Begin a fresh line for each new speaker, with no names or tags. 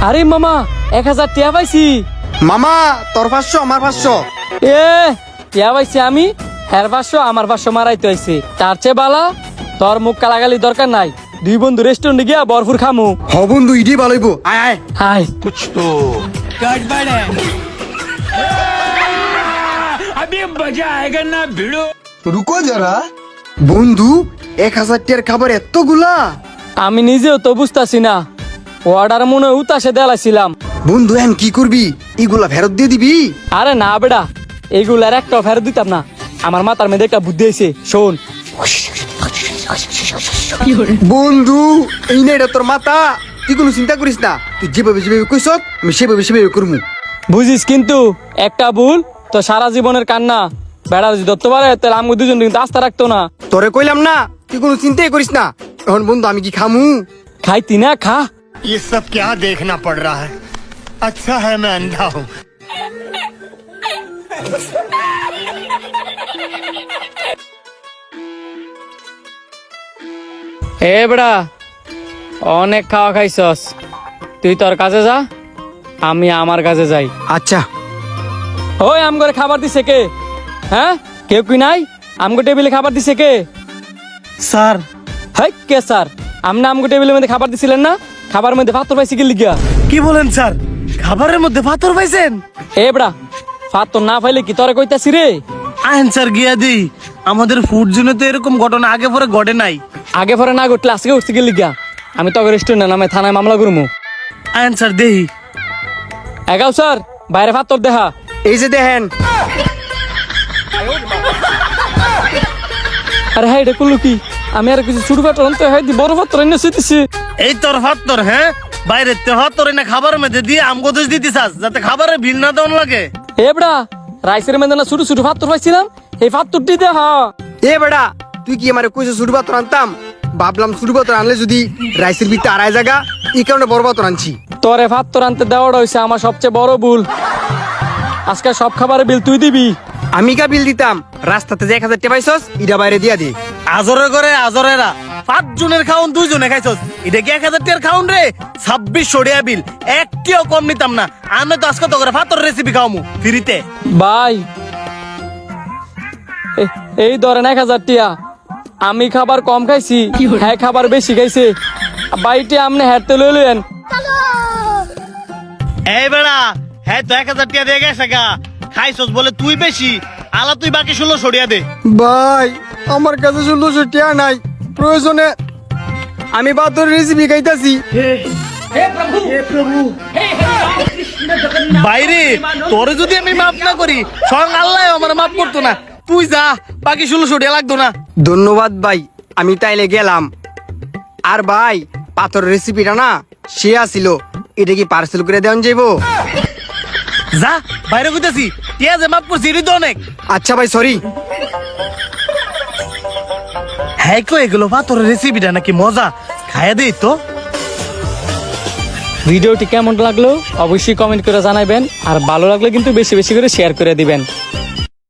আরে মামা 1000 টিয়া পাইছি।
মামা তোর 500 আমার 500।
এ টিয়া পাইছি আমি, হের 500 আমার 500 মারাইতে হইছে। তার চেয়ে বালা তোর মুখ কালাগালি দরকার নাই, দুই বন্ধু রেস্টুরেন্টে গিয়া বরফুর খামু।
হ বন্ধু ইডি ভালোইব, আয় আয়।
হাই
कुछ तो गड़बड़ है। अभी मजा आएगा ना भिड़ो।
रुको जरा।
বন্ধু 1000 টিয়ার খাবার এতগুলা?
আমি নিজেও তো বুঝতাছি না, অর্ডার মনে হয় উতাসে দেলাইছিলাম।
বন্ধু এখন কি করবি? এগুলা ফেরত দিয়ে দিবি?
আরে না বেড়া, এইগুলার একটা ফেরত দিতাম না। আমার মাথার মধ্যে একটা বুদ্ধি হয়েছে, শোন।
বন্ধু এই না এটা তোর মাথা, তুই কোনো চিন্তা করিস না, তুই যেভাবে যেভাবে কইস আমি সেভাবে সেভাবে করবো।
বুঝিস কিন্তু একটা ভুল তো সারা জীবনের কান্না। বেড়া যদি ধরতে পারে তাহলে আমি দুজন কিন্তু আস্থা রাখতো না।
তোরে কইলাম না তুই কোনো চিন্তাই করিস না। এখন বন্ধু আমি কি খামু?
খাইতি না খা।
ये सब क्या देखना पड़ रहा है? अच्छा है मैं अंधा हूँ।
এ বেড়া অনেক খাওয়া খাইছস, তুই তোর কাজে যা, আমি আমার কাজে যাই।
আচ্ছা
ওই আম করে খাবার দিছে কে? হ্যাঁ কেউ কি নাই? আমগো টেবিলে খাবার দিছে কে?
স্যার।
হাই কে স্যার? আমনা আমগো টেবিলের মধ্যে খাবার দিছিলেন না? খাবার মধ্যে পাথর পাইছি কি লিগা?
কি বলেন স্যার? খাবারের মধ্যে পাথর পাইছেন?
এ বেড়া পাথর না পাইলে কি তোরে কইতাছি রে?
আইন স্যার গিয়া দিই, আমাদের ফুড জোনে তো এরকম ঘটনা আগে পরে ঘটে নাই।
আগে পরে না ঘটলে আজকে উঠছে কি লিগা? আমি তো রেস্টুরেন্টে নামে থানায় মামলা করবো।
আইন স্যার দেই।
এগাও স্যার বাইরে পাথর দেখা।
এই যে দেখেন।
আরে হ্যাঁ এটা করলো কি? আমি আর কিছু ছোট পাথর আনতে হয় বড় পাথর এনে শুইতেছি।
এই তোর পাথর, হ্যাঁ বাইরে তে পাথর এনে খাবারের মধ্যে দিয়ে আমগো দোষ দিতে চাস যাতে খাবারে ভিল না দেওয়ান লাগে।
এ বেড়া রাইসের মধ্যে না ছোট ছোট পাথর পাইছিলাম, এই পাথরটি দেখা।
এ বেটা তুই কি আমার কইছিস ছোট পাথর আনতাম? ভাবলাম ছোট পাথর আনলে যদি রাইসের ভিতরে আড়াই জায়গা, এই কারণে বড় পাথর আনছি।
তোরে পাথর আনতে দেওয়াটা হয়েছে আমার সবচেয়ে বড় ভুল। আজকে সব খাবারের বিল তুই দিবি।
আমি কা বিল দিতাম? রাস্তাতে যে 1000 টাকা পাইছস ইটা বাইরে দিয়া দে।
আজরে করে আজরেরা 5 জনের খাউন 2 জনে খাইছস, এটা কি 1000 টাকার খাউন রে? 2600 টাকা বিল, একটিও কম নিতাম না। আমি তো আজকে তো করে পাথর রেসিপি খাওয়ামু ফ্রিতে।
ভাই এই ধরেন 1000 টিয়া, আমি খাবার কম খাইছি, হ্যাঁ খাবার বেশি খাইছে। বাইটে আপনি হেঁটতে লইলেন।
এই বেড়া হ্যাঁ তো 1000 টাকা দিয়ে গেছে গা, খাইছস বলে তুই বেশি, আলা তুই বাকি 1600 টাকা দে।
ভাই আমার কাছে 1600 টাকা নাই, প্রয়োজনে আমি পাথর রেসিপি খাইতাছি।
বাইরে তোরে যদি আমি মাফ না করি স্বয়ং আল্লাহ আমার মাফ করতো না। তুই যা, বাকি 1600 টাকা লাগতো না।
ধন্যবাদ ভাই, আমি তাইলে গেলাম। আর ভাই পাথর রেসিপিটা না সে আসিল, এটা কি পার্সেল করে দেওয়া যাইবো?
যা বাইরে কইতাছি, টিয়া যে মাফ করছি এটা তো অনেক।
আচ্ছা ভাই সরি।
হ্যাঁ কো এগুলো পাথরের রেসিপিটা নাকি মজা, খাইয়া দেই তো।
ভিডিওটি কেমন লাগলো অবশ্যই কমেন্ট করে জানাবেন, আর ভালো লাগলে কিন্তু বেশি বেশি করে শেয়ার করে দিবেন।